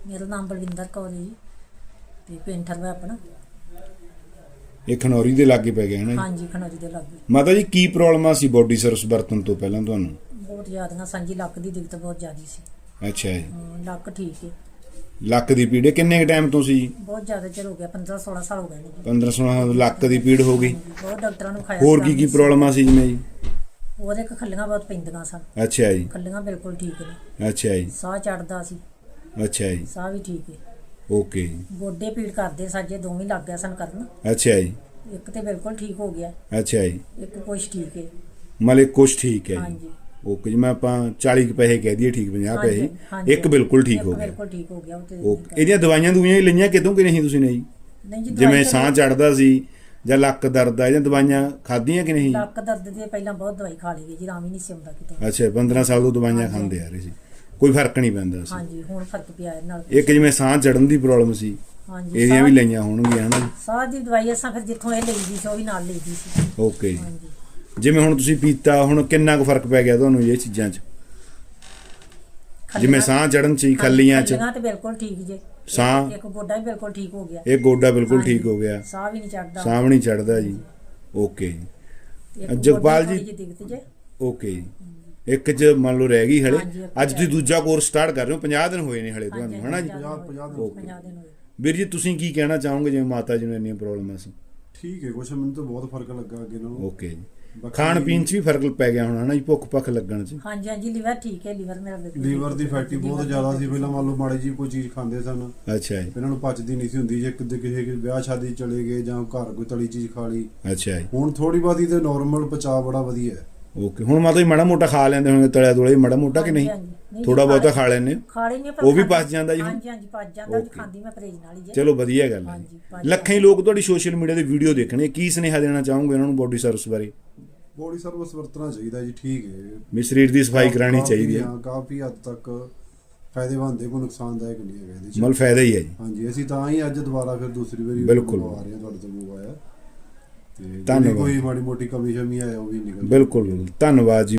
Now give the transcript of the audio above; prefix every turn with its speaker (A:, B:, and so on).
A: ਮੇਰਾ ਨਾਮ ਬਲਵਿੰਦਰ ਕੌਰ ਜੀ ਤੇ ਪੇਂਟਰ ਵਾ ਆਪਣਾ।
B: ਇਹ ਖਨੌਰੀ ਦੇ ਲਾਗੇ ਪੈ ਗਿਆ ਹੈ ਨਾ?
A: ਹਾਂਜੀ, ਖਨੌਰੀ ਦੇ ਲਾਗੇ।
B: ਮਾਤਾ ਜੀ ਕੀ ਪ੍ਰੋਬਲਮ ਸੀ ਬੋਡੀ ਸਰਵਿਸ ਵਰਤਣ ਤੋਂ ਪਹਿਲਾਂ ਤੁਹਾਨੂੰ?
A: ਬਹੁਤ ਜ਼ਿਆਦੀਆਂ ਸਾਂਝੀ ਲੱਕ ਦੀ ਦਿੱਕਤ ਬਹੁਤ ਜ਼ਿਆਦੀ ਸੀ।
B: ਅੱਛਾ ਜੀ।
A: ਲੱਕ ਠੀਕ ਹੈ।
B: ਲੱਕ ਦੀ ਪੀੜ ਕਿੰਨੇ ਕ ਟਾਈਮ ਤੋਂ ਸੀ?
A: ਬਹੁਤ ਜ਼ਿਆਦਾ ਚਿਰ ਹੋ ਗਿਆ, 15-16 ਸਾਲ ਹੋ ਗਏ ਨੇ ਜੀ।
B: 15-16 ਲੱਕ ਦੀ ਪੀੜ ਹੋ ਗਈ।
A: ਬਹੁਤ ਡਾਕਟਰਾਂ ਨੂੰ ਖਾਇਆ।
B: ਹੋਰ ਕੀ ਪ੍ਰੋਬਲਮਾਂ ਸੀ ਜਿਵੇਂ ਜੀ?
A: ਉਹਦੇ ਖੱਲੀਆਂ ਬਹੁਤ ਪੈਂਦੀਆਂ ਸਨ।
B: ਅੱਛਾ ਜੀ।
A: ਖੱਲੀਆਂ ਬਿਲਕੁਲ ਠੀਕ ਨੇ।
B: ਅੱਛਾ ਜੀ।
A: ਸਾਹ ਚੜਦਾ ਸੀ।
B: ਅੱਛਾ ਜੀ।
A: ਸਾਹ ਵੀ ਠੀਕ ਹੈ।
B: ਓਕੇ।
A: ਗੋਡੇ ਪੀੜ ਕਰਦੇ ਸਾਜੇ ਦੋਵੇਂ ਲੱਗ ਗਿਆ ਸਨ ਕਰਨ।
B: ਅੱਛਾ ਜੀ।
A: ਇੱਕ ਤੇ ਬਿਲਕੁਲ ਠੀਕ ਹੋ ਗਿਆ।
B: ਅੱਛਾ ਜੀ।
A: ਇੱਕ ਕੁਛ ਠੀਕ ਹੈ।
B: ਮਤਲਬ ਕੁਛ ਠੀਕ ਹੈ ਜੀ।
A: ਹਾਂਜੀ।
B: ਓਕੇ ਜੀ। ਮੈਂ ਆਪਾਂ 40 ਪੈਸੇ ਕਹਿ ਦਈਏ ਠੀਕ, 50 ਪੈਸੇ। ਇੱਕ ਬਿਲਕੁਲ ਠੀਕ ਹੋ ਗਿਆ।
A: ਬਿਲਕੁਲ ਠੀਕ ਹੋ ਗਿਆ।
B: ਓਕੇ। ਇਹਦੀਆਂ ਦਵਾਈਆਂ ਦੁਈਆਂ ਹੀ ਲਈਆਂ ਕਿਤੋਂ ਕਿ ਨਹੀਂ ਤੁਸੀਂ ਨੇ ਜੀ?
A: ਨਹੀਂ ਜੀ,
B: ਜਿਵੇਂ ਸਾਹ ਚੜਦਾ ਸੀ ਜਾਂ ਲੱਕ ਦਰਦ ਆ ਜਾਂ ਦਵਾਈਆਂ ਖਾਧੀਆਂ ਕਿ ਨਹੀਂ?
A: ਲੱਕ ਦਰਦ ਦੀ ਪਹਿਲਾਂ ਬਹੁਤ ਦਵਾਈ ਖਾ ਲਈ ਜੀ, ਆਰਾਮ ਹੀ ਨਹੀਂ ਸੀ ਆਉਂਦਾ ਕਿਤੇ।
B: ਅੱਛਾ, 15 ਸਾਲ ਤੋਂ ਦਵਾਈਆਂ ਖਾਂਦੇ ਆ ਰਹੇ ਸੀ, ਕੋਈ ਫਰਕ ਨਹੀਂ ਪੈਂਦਾ ਸੀ?
A: ਹਾਂਜੀ, ਹੁਣ ਫਰਕ ਪਿਆ ਇਹਦੇ ਨਾਲ।
B: ਇੱਕ ਜਿਵੇਂ ਸਾਹ ਚੜਨ ਦੀ ਪ੍ਰੋਬਲਮ ਸੀ,
A: ਹਾਂਜੀ,
B: ਇਹਦੀਆਂ ਵੀ ਲਈਆਂ ਹੋਣਗੀਆਂ ਹਨਾ?
A: ਸਾਹ ਦੀ ਦਵਾਈ ਅਸਾਂ ਫਿਰ ਜਿੱਥੋਂ ਇਹ ਲਈਦੀ ਸੀ ਉਹ ਵੀ ਨਾਲ ਲਈਦੀ ਸੀ।
B: ਓਕੇ।
A: ਹਾਂਜੀ।
B: ਜਿਵੇਂ ਹੁਣ ਤੁਸੀਂ ਪੀਤਾ, ਹੁਣ ਕਿੰਨਾ ਕੁ ਫਰਕ ਪੈ ਗਿਆ ਤੁਹਾਨੂੰ ਇਹ ਚੀਜ਼ਾਂ 'ਚ? ਜਿਵੇਂ ਸਾਹ ਚੜਨ 'ਚ, ਖੱਲੀਆਂ 'ਚ?
A: ਖੱਲੀਆਂ ਤੇ ਬਿਲਕੁਲ ਠੀਕ ਜੇ।
B: ਸਾਹ?
A: ਇੱਕ ਗੋਡਾ ਵੀ ਬਿਲਕੁਲ ਠੀਕ ਹੋ ਗਿਆ।
B: ਇਹ ਗੋਡਾ ਬਿਲਕੁਲ ਠੀਕ ਹੋ ਗਿਆ।
A: ਸਾਹ ਵੀ ਨਹੀਂ ਚੜਦਾ।
B: ਸਾਹ ਵੀ ਨਹੀਂ ਚੜਦਾ ਜੀ। ਓਕੇ। ਜਗਪਾਲ ਜੀ, ਓਕੇ ਜੀ। ਇੱਕ 'ਚ ਮੰਨ ਲਓ ਰਹਿ ਗਈ ਹਲੇ। ਅੱਜ ਤੁਸੀਂ ਦੂਜਾ ਕੋਰਸ ਸਟਾਰਟ ਕਰ ਰਹੇ ਹੋ, 50 ਦਿਨ ਹੋਏ ਨੇ ਹਲੇ ਤੁਹਾਨੂੰ, ਹਨਾ ਜੀ?
A: 50 ਦਿਨ ਹੋਏ।
B: ਵੀਰ ਜੀ, ਤੁਸੀਂ ਕੀ ਕਹਿਣਾ ਚਾਹੋਗੇ ਜਿਵੇਂ ਮਾਤਾ ਜੀ ਨੂੰ ਇੰਨੀਆਂ ਪ੍ਰੋਬਲਮਾਂ ਸੀ?
C: ਠੀਕ ਹੈ, ਕੁਛ ਮੈਨੂੰ ਤਾਂ ਬਹੁਤ ਫਰਕ ਲੱਗਾ ਅੱਗੇ ਨਾਲੋਂ।
B: ਓਕੇ ਜੀ। ਖਾਣ ਪੀਣ 'ਚ ਵੀ ਫਰਕ ਪੈ ਗਿਆ ਹੋਣਾ ਨਾ ਜੀ, ਭੁੱਖ ਭੱਖ ਲੱਗਣ 'ਚ?
A: ਹਾਂਜੀ ਹਾਂਜੀ, ਲੀਵਰ ਠੀਕ ਹੈ। ਲੀਵਰ ਮੇਰਾ ਬਿਲਕੁਲ
C: ਲੀਵਰ ਦੀ ਫੈਟੀ ਬਹੁਤ ਜ਼ਿਆਦਾ ਸੀ ਪਹਿਲਾਂ। ਮੰਨ ਲਓ ਮਾੜੀ ਜੀ ਕੋਈ ਚੀਜ਼ ਖਾਂਦੇ ਸਨ,
B: ਅੱਛਾ ਜੀ।
C: ਇਹਨਾਂ ਨੂੰ ਪਚਦੀ ਨਹੀਂ ਸੀ ਹੁੰਦੀ। ਜੇ ਕਿਸੇ ਵਿਆਹ ਸ਼ਾਦੀ ਚਲੇ ਗਏ ਜਾਂ ਘਰ ਕੋਈ ਤਲੀ ਚੀਜ਼ ਖਾ ਲਈ,
B: ਅੱਛਾ ਜੀ।
C: ਹੁਣ ਥੋੜੀ ਬਹੁਤੀ ਤੇ ਨਾਰਮਲ ਪਚਾ ਬੜਾ ਵਧੀਆ ਹੈ।
B: ਓਕੇ। ਹੁਣ ਮਾਤਾ ਜੀ ਮਾੜਾ ਮੋਟਾ ਖਾ ਲੈਂਦੇ ਹੋਣਗੇ, ਤਲਿਆ ਤੁਲਿਆ ਮਾੜਾ ਮੋਟਾ ਕਿ ਨਹੀਂ? ਥੋੜਾ ਬਹੁਤਾ ਖਾ ਲੈਂਦੇ?
A: ਖਾ ਲੈਂਦੇ
B: ਉਹ ਵੀ ਪਚ ਜਾਂਦਾ ਜੀ?
A: ਹਾਂਜੀ ਹਾਂਜੀ, ਪਚ ਜਾਂਦਾ ਜੀ, ਖਾਂਦੀ ਮੈਂ ਪਰਹੇਜ਼ ਨਾਲ ਹੀ।
B: ਚਲੋ ਵਧੀਆ ਗੱਲ ਹੈ। ਲੱਖਾਂ ਹੀ ਲੋਕ ਤੁਹਾਡੀ ਸੋਸ਼ਲ ਮੀਡੀਆ ਤੇ ਵੀਡੀਓ ਦੇਖਣੇ, ਕੀ ਸੁਨੇਹਾ ਦੇਣਾ ਚਾਹੋਗੇ ਉਹਨਾਂ ਨੂੰ ਬੋਡੀ ਸਰਵਿਸ ਬਾਰੇ?
C: ਬੋਡੀ ਸਰਵਿਸ ਵਰਤਣਾ ਚਾਹੀਦਾ ਜੀ, ਠੀਕ ਹੈ।
B: ਵੀ ਸਰੀਰ ਦੀ ਸਫਾਈ ਕਰਾਉਣੀ ਚਾਹੀਦੀ ਹੈ।
C: ਕਾਫੀ ਹੱਦ ਤੱਕ ਫਾਇਦੇਮੰਦ ਹੈ, ਕੋਈ ਨੁਕਸਾਨਦਾਇਕ ਨਹੀਂ ਹੈਗਾ ਇਹਦੇ 'ਚ।
B: ਮਤਲਬ ਫਾਇਦਾ ਹੀ ਹੈ ਜੀ।
C: ਹਾਂਜੀ, ਅਸੀਂ ਤਾਂ ਹੀ ਅੱਜ ਦੁਬਾਰਾ ਫਿਰ ਦੂਸਰੀ ਵਾਰੀ
B: ਬਿਲਕੁਲ
C: ਆ ਰਹੇ ਹਾਂ ਤੁਹਾਡੇ ਤੋਂ ਮੰਗਵਾਇਆ। ਤੇ
B: ਧੰਨਵਾਦ।
C: ਕੋਈ ਮਾੜੀ ਮੋਟੀ ਕਮੀ ਸ਼ਮੀ ਆਇਆ ਉਹ ਵੀ ਨਿਕਲ।
B: ਬਿਲਕੁਲ, ਧੰਨਵਾਦ ਜੀ।